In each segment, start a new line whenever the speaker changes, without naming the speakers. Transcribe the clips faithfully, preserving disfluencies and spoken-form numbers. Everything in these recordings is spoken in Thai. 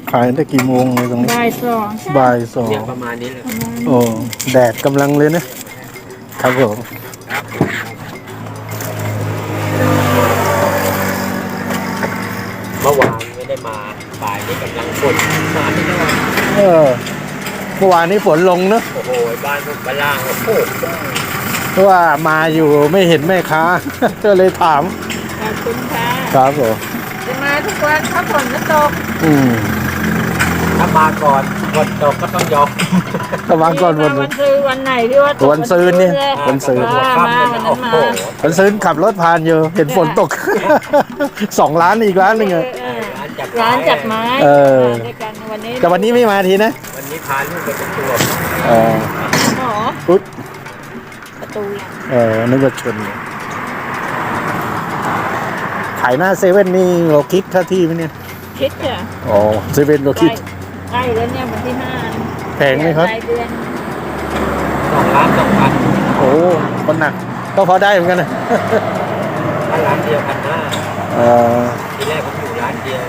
ขายได้กี่โมงเลยตรงนี้
บ่ายสอง
บ่ายสอง
เนี่ยประมาณนี้เลย
โอ้แดดกำลังเลยนะครับผม
เมื่อวานไม่ได้มาบ่ายนี้กำลังฝนมาที่นั่น
เออเมื่อวานนี้ฝนลงเนอะ
โอ้โหบ้านพวกบ้านล่างโอ้โห
เพราะว่ามาอยู่ไม่เห็นแม่ค้า ก็เลยถาม
ขอบคุณค่ะ
ครับผม
จะมาทุกวันถ้าฝนไม่ตก
อืม
ถ้ามาก่อนฝนตกก็ต้องยอม
ถ้ามาก่อนวัน
วันซื้อวันไหนที่ว่าตก
วันซื้อเนี่ยวันซื้อ
มาวันนั้นมา
วันซื้อขับรถผ่านอยู่เห็นฝนตกสองร้านอีกร้านหนึ่งอะ
ร้านจัดไม้
เออ
วันนี้
แต่วันนี้ไม่มาทีนะ
วันนี้พาลูกไปประจวบ
อ๋อ
หมอ
อุ๊ย
ประตู
เออนึกว่าชนขายหน้าเซเว่นนี่เราคิดค่าที่ไหมเนี่ย
คิดจ้ะ
อ๋อเซเว่นเราคิด
ใกล้แล้วเนี่ยวันที่ห้า
แพงไหมครับ
สองล้านสองพัน
โอ้คนหนักก็พอได้เหมือนกันนะ
ร้านเดียวพันห้าทีแรกผมอยู่ร้านเดียว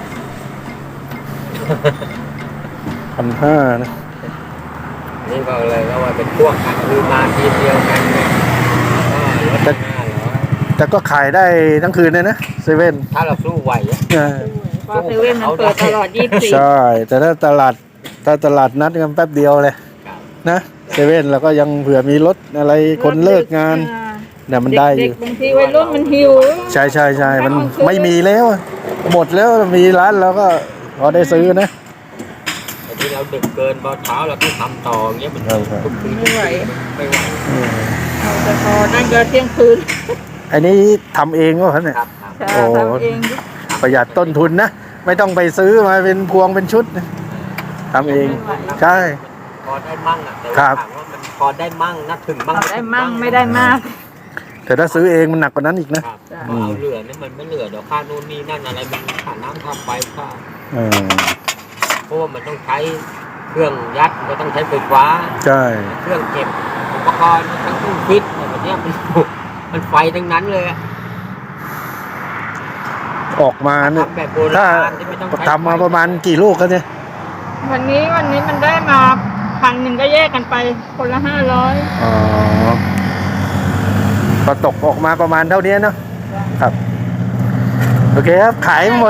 พันห้านะ
นี่ก็เลยก็ว่าเป็นพวกกันคือมาทีเดียวกันเนี่ยก็ลดห้าร้อย
แต่ก็ขายได้ทั้งคืนเลยนะเซเว่น
ถ้าเราสู้ไหวอ่ะ
เพราะเซเว่นมันเปิดตลอดยี่สิบสี่
ใช่แต่ถ้าตลาดถ้าตลาดนัดกันแป๊บเดียวเลยนะเซเว่นแล้วก็ยังเผื่อมีรถอะไรคนเลิกงานเนี่ยมันได้อยู่
บางทีวัยรุ่นมันหิว
ใช่ใช่ใช่มันไม่มีแล้วหมดแล้วมีร้านแล้วก็พอได้ซื้อนะ
แต่ที่เราดึกเกินพอเช้าเราต้องทำต่ออย่างเงี้ยมันทุกคืน
ไม่ไหว
ไม่ไหว
เอาแต่พอนั่งก็เที่ยงคืน
อันนี้ทำเองก็ครับเนี่ย
โอ้ทำเอง
ประหยัดต้นทุนนะไม่ต้องไปซื้อมาเป็นพวงเป็นชุดทำเองใช่
พอได้มั่งอ่ะแต่ว่าถามว่ามันพอได้มั่งนะถึงมั่ง
ได้มั่งไม่ได้มาก
แต่ถ้าซื้อเองมันหนักกว่านั้นอีกนะ
เอาเหลือเนี่ยมันไม่เหลือเดี๋ยวค่านู่นนี่นั่นอะไรมันค่าน้ำค่าไฟค่าเพราะว่ามันต้องใช้เครื่องยัดมันต้องใช้ไฟฟ้า
ใช่
เครื่องเก็บอุปกรณ์ทั้งตู้ฟิตอะไรแบบนี้มันมันไฟทั้งนั้นเลย
ออกมาเนี่ยถ้าทำมาประมาณกี่ลูกกันเนี่ย
วันนี้วันนี้มันได้มาพันหนึ่งก็แยกกันไปคนละห้าร้อย
อ๋อก็ตกออกมาประมาณเท่านี้เนาะครับโอเคครับขายหมด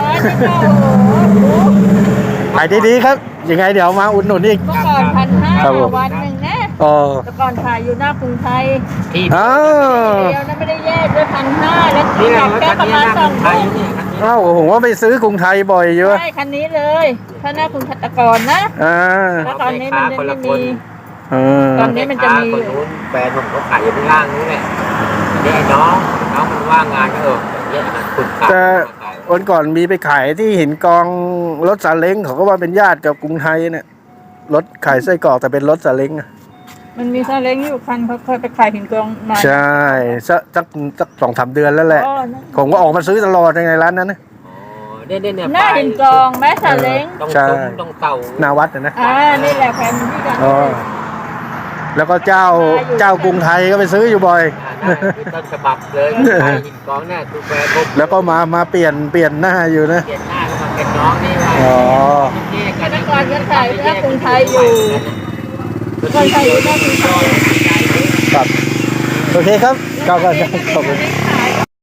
ขายดีๆครับยังไงเดี๋ยวมาอุดหนุนอีก
เมื่อก่อนพันห้าวันหนึ่งนะ
อ๋อ
แต่ก่อนขายอยู่หน้ากรุงไทย
อ้าว
เดียวนั้นไม่ได้แยกด้วยพันห้าแล้วที่กลับแค่ประมาณสองพัน
อ้าวผมว่าไปซื้อกรุงไทยบ่อยเยอะ
ใช่คันนี้เลยถ้าหน้ากรุงตะกอนนะ
อ่า
แล้วตอนนี้มันไม่มีตอนนี้มันจะมี
แฟนผมเขาขายอยู่ข้างล่างนี่แหละนี่ไอ้น้องน้องมันว่างงานก็เอออย่างเงี้ยคุณขาย
แต่วันก่อนมีไปขายที่หินกองรถซาเล้งเขาก็ว่าเป็นญาติกับกรุงไทยเนี่ยรถขายไส้กรอกแต่เป็นรถซาเล้งอะ
มันมีซาเล้งอยู่คันเขาเคยไปขายหินกองมา
ใช่สักสักสักสองสามเดือนแล้วแหละผมก็ออกมาซื้อตลอดในร้านนั้นนะ
เนี่ยเนี่ย
หน้าหินกองแม่ซาเล้ง
ต้องต้องเต่า
นาวัดนะ
อ่านี่แหละแฟนที่กัน
แล้วก็เจ้าเจ้ากรุงไทยก็ไปซื้ออยู่บ่อย
ต้นฉบับเลยหินกองเนี่ยคือแฟนผม
แล้วก็มามาเปลี่ยนเปลี่ยนหน้าอยู่นะ
เปลี่ยนหน้าก็มาเป็นน้องนี่ว่า
อ๋อ
แต่ก่อนก็ขายหน้ากรุงไทยอยู่คนไทยอยู่หน้ากรุงไทย
ครับโอเคครับขอบคุณขอบคุณ